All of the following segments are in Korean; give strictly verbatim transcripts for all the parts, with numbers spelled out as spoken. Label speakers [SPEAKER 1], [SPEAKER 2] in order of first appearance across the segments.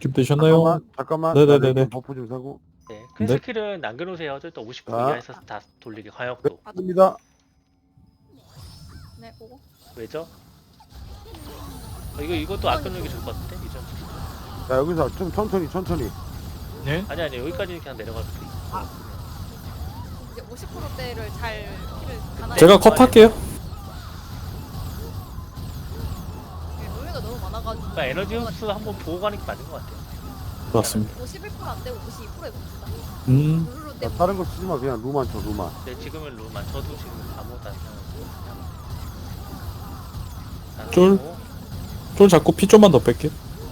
[SPEAKER 1] 준비되셨나요?
[SPEAKER 2] 잠깐만, 잠깐만.
[SPEAKER 1] 네네네네.
[SPEAKER 2] 나 지금 버프 좀 사고.
[SPEAKER 3] 네, 큰
[SPEAKER 1] 네.
[SPEAKER 3] 스킬은 남겨놓으세요. 저 또 오십 분
[SPEAKER 2] 자.
[SPEAKER 3] 이하에서 다 돌리게 화역도.
[SPEAKER 2] 됩니다.
[SPEAKER 4] 네, 보고.
[SPEAKER 3] 왜죠? 어, 이거 이것도 아껴놓는 게 좋을 것 같은데 이전.
[SPEAKER 2] 자, 여기서 좀 천천히, 천천히.
[SPEAKER 5] 네?
[SPEAKER 3] 아니 아니 여기까지는 그냥 내려갈 수도 있어.
[SPEAKER 4] 이제 오십 퍼센트대를 잘 키를 가나.
[SPEAKER 1] 제가 컷할게요.
[SPEAKER 4] 노예가 너무 많아가지고.
[SPEAKER 3] 그러니까 에너지 흡수 한번 보고 가는 게 맞는 것 같아요.
[SPEAKER 1] 맞습니다.
[SPEAKER 4] 오십일 퍼센트 안 되고 오십이 퍼센트 해봅시다.
[SPEAKER 1] 음,
[SPEAKER 4] 룰루
[SPEAKER 2] 자,
[SPEAKER 4] 때문에.
[SPEAKER 2] 다른 거 쓰지 마. 그냥 루만 쳐, 루만.
[SPEAKER 3] 네, 지금은 루만 저도 지금 아무것도 안 사고.
[SPEAKER 1] 쫄. 쫄 잡고 피 좀만 더 뺄게요.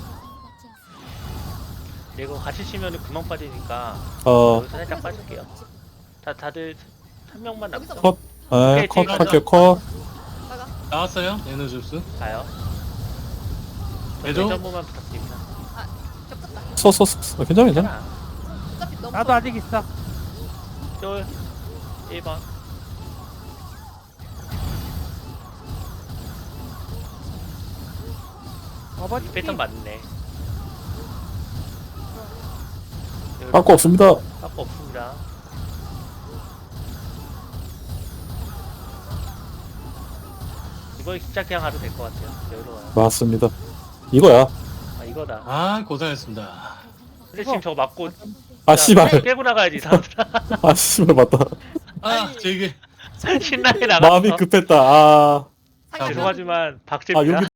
[SPEAKER 3] 이거 같이 치면 구멍 빠지니까
[SPEAKER 1] 어,
[SPEAKER 3] 여기서 살짝 빠질게요. 다 다들 한 명만 남았어.
[SPEAKER 1] 컷. 아,
[SPEAKER 3] 오케이,
[SPEAKER 1] 컷
[SPEAKER 3] 지금
[SPEAKER 1] 할게요. 컷.
[SPEAKER 4] 나가.
[SPEAKER 5] 나왔어요? 에너지 흡수.
[SPEAKER 3] 가요.
[SPEAKER 5] 매조?
[SPEAKER 3] 매점보만 부탁드립니다.
[SPEAKER 4] 겹쳤다.
[SPEAKER 1] 써, 써, 써. 어, 괜찮아, 괜찮아.
[SPEAKER 3] 하나,
[SPEAKER 4] 어차피 너무.
[SPEAKER 6] 나도 아직 있어.
[SPEAKER 3] 쫄, 일 번.
[SPEAKER 6] 어버지
[SPEAKER 3] 이 패턴 맞네.
[SPEAKER 1] 아까 없습니다.
[SPEAKER 3] 아까 없습니다. 이거 진짜 그냥 하도 될 것 같아요. 여유로워요.
[SPEAKER 1] 맞습니다. 이거야.
[SPEAKER 3] 아 이거다.
[SPEAKER 5] 아, 고생했습니다.
[SPEAKER 3] 근데 지금 저거 맞고
[SPEAKER 1] 아,
[SPEAKER 3] 야,
[SPEAKER 1] 씨발.
[SPEAKER 3] 깨고 나가야지 사람들아.
[SPEAKER 1] 아, 씨발, 맞다.
[SPEAKER 5] 아, 저기
[SPEAKER 3] 신나게 나갔어.
[SPEAKER 1] 마음이 급했다. 아,
[SPEAKER 4] 상향.
[SPEAKER 3] 죄송하지만
[SPEAKER 1] 아,
[SPEAKER 3] 박제입니다.
[SPEAKER 1] 여기